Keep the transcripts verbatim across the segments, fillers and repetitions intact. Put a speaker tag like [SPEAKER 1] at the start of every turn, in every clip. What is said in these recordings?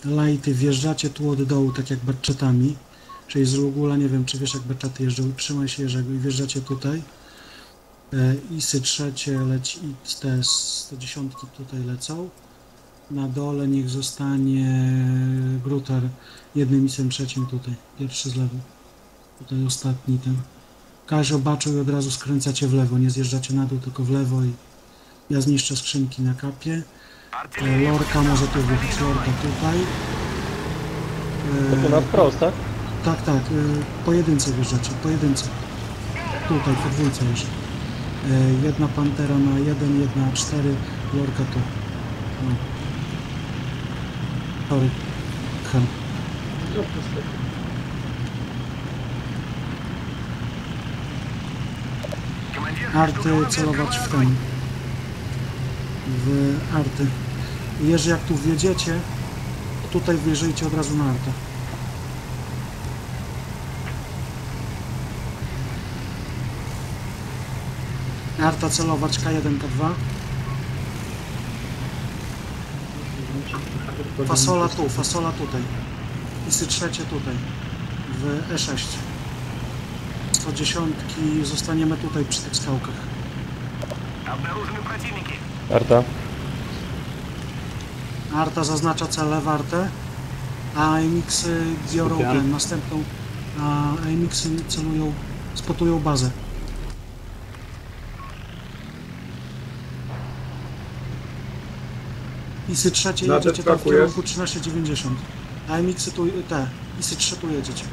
[SPEAKER 1] Lighty, wjeżdżacie tu od dołu, tak jak batchetami. Czyli z Rugula, nie wiem, czy wiesz, jak batchaty jeżdżą. Trzymaj się Jerzego i wjeżdżacie tutaj. E, Isy trzecie leci, i te sto dziesięć tutaj lecą. Na dole niech zostanie Grutar jednym isem trzecim tutaj. Pierwszy z lewej. Tutaj ostatni ten. Kazio, Baczu i od razu skręcacie w lewo. Nie zjeżdżacie na dół, tylko w lewo i ja zniszczę skrzynki na kapie. E, Lorka może tu wjechać. Lorka tutaj.
[SPEAKER 2] To tu na wprost, tak?
[SPEAKER 1] Tak, tak, y, pojedynce wjeżdżacie, pojedynce. Tutaj, podwójce jeszcze. Y, jedna Pantera na jeden, jedna na cztery, Lorka tu. No. Sorry. Hem. Arty celować w ten. W arty. Jeżeli jak tu wjedziecie, to tutaj wjeżdżajcie od razu na artę. Arta celować K jeden, K dwa. Fasola tu, fasola tutaj. Isy trzecie tutaj. W E sześć. sto dziesięć zostaniemy tutaj przy tych skałkach.
[SPEAKER 2] Arta.
[SPEAKER 1] Arta zaznacza cele w Artę, a A M X-y biorą ten, następną, a A M X-y celują, spotują bazę. Isy trzecie
[SPEAKER 3] Na
[SPEAKER 1] jedziecie tam w
[SPEAKER 3] destroku
[SPEAKER 1] kierunku
[SPEAKER 3] jest.
[SPEAKER 1] trzynaście dziewięćdziesiąt. A M X-y tu, te, Isy trzy tu jedziecie.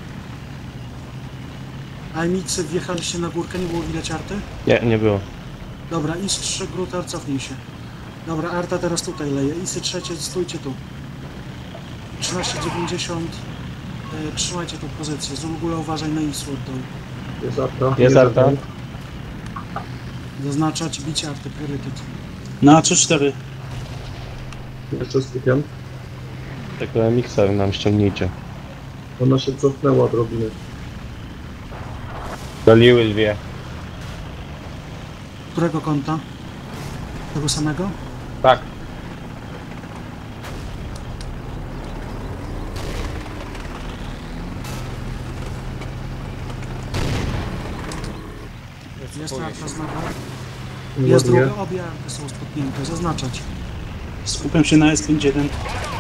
[SPEAKER 1] A M X-y wjechaliście na górkę, nie było widać Arty?
[SPEAKER 2] Nie, nie było.
[SPEAKER 1] Dobra, Is trzy, Grutar, cofnij się. Dobra, Arta teraz tutaj leje. Isy trzecie, stójcie tu. trzynaście dziewięćdziesiąt. E, trzymajcie tą pozycję. Zulgula, uważaj na Isu od dołu.
[SPEAKER 3] Jest Arta.
[SPEAKER 2] Jest Arta.
[SPEAKER 1] Zaznaczać bicie Arty, priorytet.
[SPEAKER 4] Na trzy cztery.
[SPEAKER 3] Jeszcze skupiam.
[SPEAKER 2] Tego M X-a nam ściągnijcie.
[SPEAKER 3] Ona się cofnęła odrobinę.
[SPEAKER 2] Doliły dwie.
[SPEAKER 1] Którego kąta? Tego samego?
[SPEAKER 2] Tak.
[SPEAKER 1] Jest Arta znowu.
[SPEAKER 3] Nie
[SPEAKER 1] Jest
[SPEAKER 3] ładuje.
[SPEAKER 1] druga, obie Arty są spotnięte. Zaznaczać.
[SPEAKER 4] Skupiam się na S pięćdziesiąt jeden.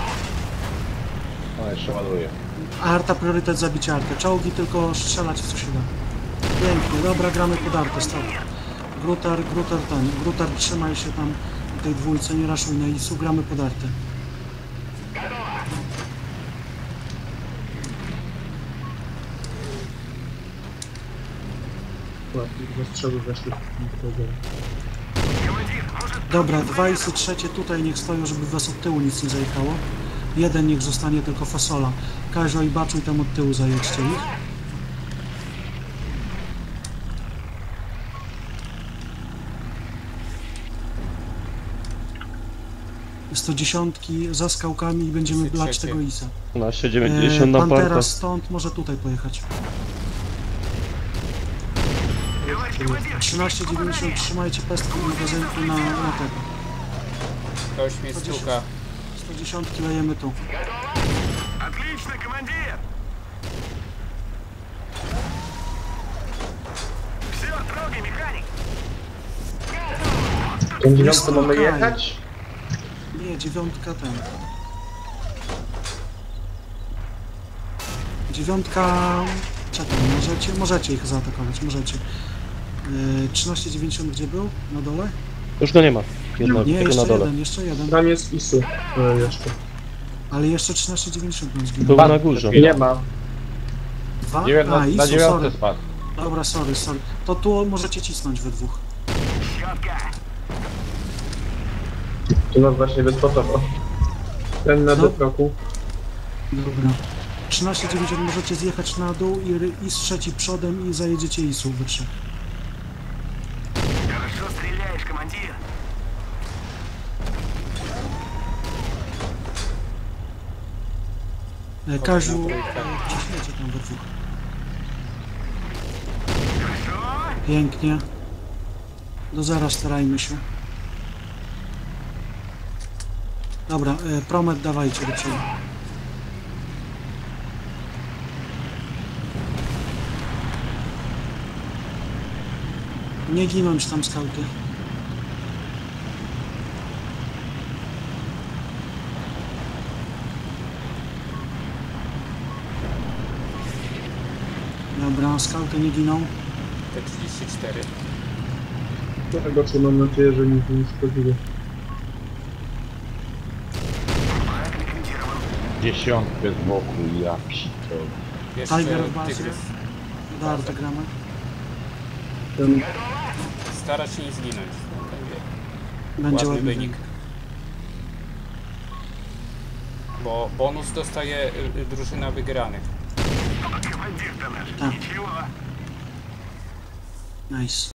[SPEAKER 2] O, jeszcze ładuję.
[SPEAKER 1] Arta, priorytet zabicie Arty. Czołgi tylko strzelać w co się da. Pięknie, dobra, gramy pod Artę, stop. Grutar, Grutar ten. Grutar, trzymaj się tam w tej dwójce, nie raszuj na Isu, gramy pod Artę.
[SPEAKER 3] Ładnie, dwa strzały weszły.
[SPEAKER 1] Dobra, dwa Isy trzecie tutaj niech stoją, żeby was od tyłu nic nie zajechało. Jeden niech zostanie tylko fasola. Kazio i Baczuj tam od tyłu zajedźcie ich. sto dziesięć za skałkami i będziemy blać tego Isa.
[SPEAKER 2] trzynaście dziewięćdziesiąt
[SPEAKER 1] E,
[SPEAKER 2] na
[SPEAKER 1] Pantera
[SPEAKER 2] portę.
[SPEAKER 1] stąd może tutaj pojechać. trzynaście dziewięćdziesiąt, trzymajcie pestki i magazynku na, na tego.
[SPEAKER 5] Ktoś mnie stuka.
[SPEAKER 1] sto dziesięć lejemy tu.
[SPEAKER 6] Отлично, командир! Все, трогай, механик!
[SPEAKER 3] Tą dziewiątkę mamy jechać?
[SPEAKER 1] Nie, dziewiątka ten. Dziewiątka... Czekaj, możecie, możecie ich zaatakować, możecie. Yy, trzynaście dziewięćdziesiąt gdzie był? Na dole?
[SPEAKER 2] Już go nie ma. Jedno,
[SPEAKER 1] Nie,
[SPEAKER 2] tylko
[SPEAKER 1] jeszcze
[SPEAKER 2] na dole.
[SPEAKER 1] jeden, jeszcze jeden.
[SPEAKER 3] Tam jest Isu. E, jeszcze.
[SPEAKER 1] Ale jeszcze trzynaście dziewięćdziesiąt nam
[SPEAKER 2] Był
[SPEAKER 1] zginął.
[SPEAKER 2] na górze.
[SPEAKER 3] Nie ma.
[SPEAKER 1] Dwa?
[SPEAKER 2] Dziewiętna-
[SPEAKER 1] A,
[SPEAKER 2] na
[SPEAKER 1] Isu,
[SPEAKER 2] dziewiątce
[SPEAKER 1] sorry.
[SPEAKER 2] spadł.
[SPEAKER 1] Dobra, sorry, sorry. To tu możecie cisnąć we dwóch.
[SPEAKER 6] Четко!
[SPEAKER 3] Tu nas właśnie wyspotował. Ten na
[SPEAKER 1] No.
[SPEAKER 3] destroku.
[SPEAKER 1] Dobra. trzynaście dziewięćdziesiąt możecie zjechać na dół i ry- Is trzeci przodem i zajedziecie Isu we trzech.
[SPEAKER 6] Хорошо стреляешь, командир!
[SPEAKER 1] E, Kaziu, e, ciśniecie tam we dwóch.
[SPEAKER 6] Хорошо!
[SPEAKER 1] Pięknie. Do zera starajmy się. Dobra, e, promet dawajcie do przodu. Nie ginąć tam skauty. Dobra, skauty nie giną.
[SPEAKER 5] T trzydzieści cztery.
[SPEAKER 3] Trochę goczy, mam nadzieję, że nic nie szkodziło.
[SPEAKER 2] Dziesiątkę z boku, ja psito.
[SPEAKER 5] Jeszcze
[SPEAKER 1] Tiger w bazie.
[SPEAKER 5] tygrys.
[SPEAKER 1] Do artograma.
[SPEAKER 3] Ten
[SPEAKER 5] Stara się nie zginąć. Będzie
[SPEAKER 1] Będzie
[SPEAKER 5] ładny
[SPEAKER 1] ładny
[SPEAKER 5] wynik. Bo bonus dostaje y, y, drużyna wygranych.
[SPEAKER 6] Командир-то наш.
[SPEAKER 1] Так.
[SPEAKER 6] Ничего.
[SPEAKER 1] Nice.